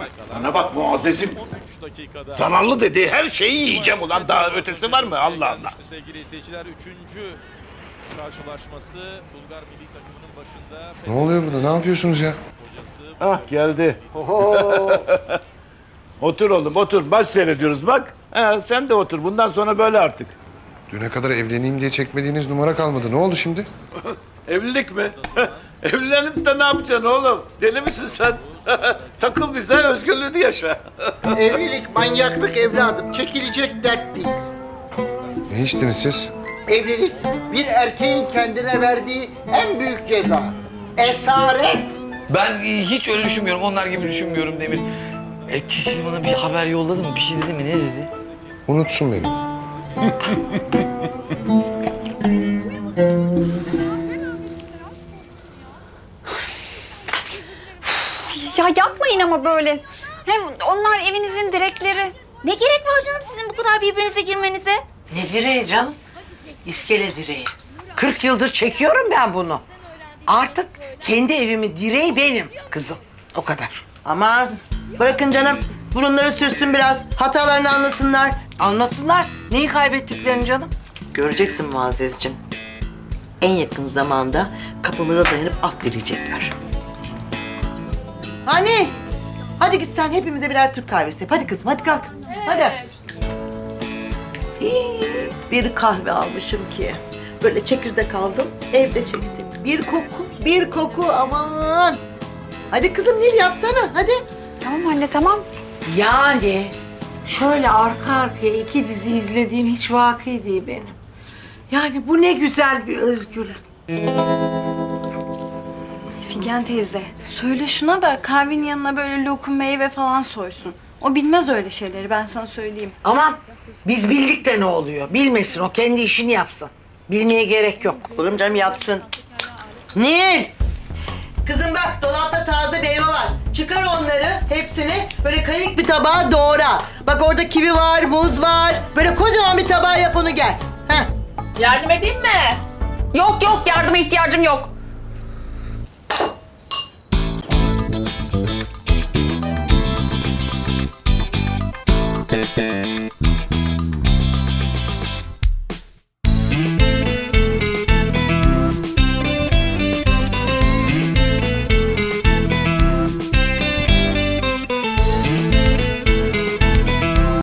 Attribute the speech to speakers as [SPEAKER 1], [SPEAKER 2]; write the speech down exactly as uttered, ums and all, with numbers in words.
[SPEAKER 1] Bana bak Muazzez'im. Zararlı dediği her şeyi yiyeceğim ulan. Daha ötesi var mı? Allah Allah.
[SPEAKER 2] Sevgili izleyiciler, üçüncü karşılaşması Bulgar milli takımının başında.
[SPEAKER 3] Ne oluyor burada? Ne yapıyorsunuz ya?
[SPEAKER 1] Ah geldi. Otur oğlum otur. Maç seyrediyoruz bak. Ha, sen de otur. Bundan sonra böyle artık.
[SPEAKER 3] Düne kadar evleneyim diye çekmediğiniz numara kalmadı. Ne oldu şimdi?
[SPEAKER 1] Evlilik mi? Evlenip de ne yapacaksın oğlum? Deli misin sen? Takıl bize, özgürlüğünü yaşa.
[SPEAKER 4] Evlilik manyaklık evladım. Çekilecek dert değil.
[SPEAKER 3] Ne içtiniz siz?
[SPEAKER 4] Evlilik bir erkeğin kendine verdiği en büyük ceza. Esaret.
[SPEAKER 5] Ben e, hiç öyle düşünmüyorum. Onlar gibi düşünmüyorum Demir. E, Çisil bana bir haber yolladı mı? Bir şey dedi mi? Ne dedi?
[SPEAKER 3] Unutsun beni.
[SPEAKER 6] Ya yapmayın ama böyle. Hem onlar evinizin direkleri.
[SPEAKER 7] Ne gerek var canım sizin bu kadar birbirinize girmenize?
[SPEAKER 8] Ne direği canım? İskele direği. Kırk yıldır çekiyorum ben bunu. Artık kendi evimin direği benim kızım. O kadar.
[SPEAKER 9] Aman bırakın canım. Burunları sürsün biraz. Hatalarını anlasınlar.
[SPEAKER 8] Anlasınlar. Neyi kaybettiklerini canım?
[SPEAKER 9] Göreceksin Muazzezciğim. En yakın zamanda kapımıza dayanıp af dileyecekler. Hani? Hadi git sen hepimize birer Türk kahvesi yap. Hadi kızım hadi kalk. Hadi. Hii, bir kahve almışım ki. Böyle çekirdek aldım, evde çektim. Bir koku, bir koku aman. Hadi kızım Nil yapsana hadi.
[SPEAKER 6] Tamam anne tamam.
[SPEAKER 8] Yani şöyle arka arkaya iki dizi izlediğim hiç vaki değil benim. Yani bu ne güzel bir özgürlük.
[SPEAKER 6] Figen teyze söyle şuna da kahvenin yanına böyle lokum meyve falan soysun. O bilmez öyle şeyleri ben sana söyleyeyim.
[SPEAKER 8] Aman biz bildik de ne oluyor? Bilmesin, o kendi işini yapsın. Bilmeye gerek yok.
[SPEAKER 9] Olur mu canım yapsın. Nil! Kızım bak dolapta taze meyve var. Çıkar onları hepsini böyle kayık bir tabağa doğra. Bak orada kivi var, muz var. Böyle kocaman bir tabağa yap onu gel. Heh.
[SPEAKER 6] Yardım edeyim mi? Yok yok yardıma ihtiyacım yok.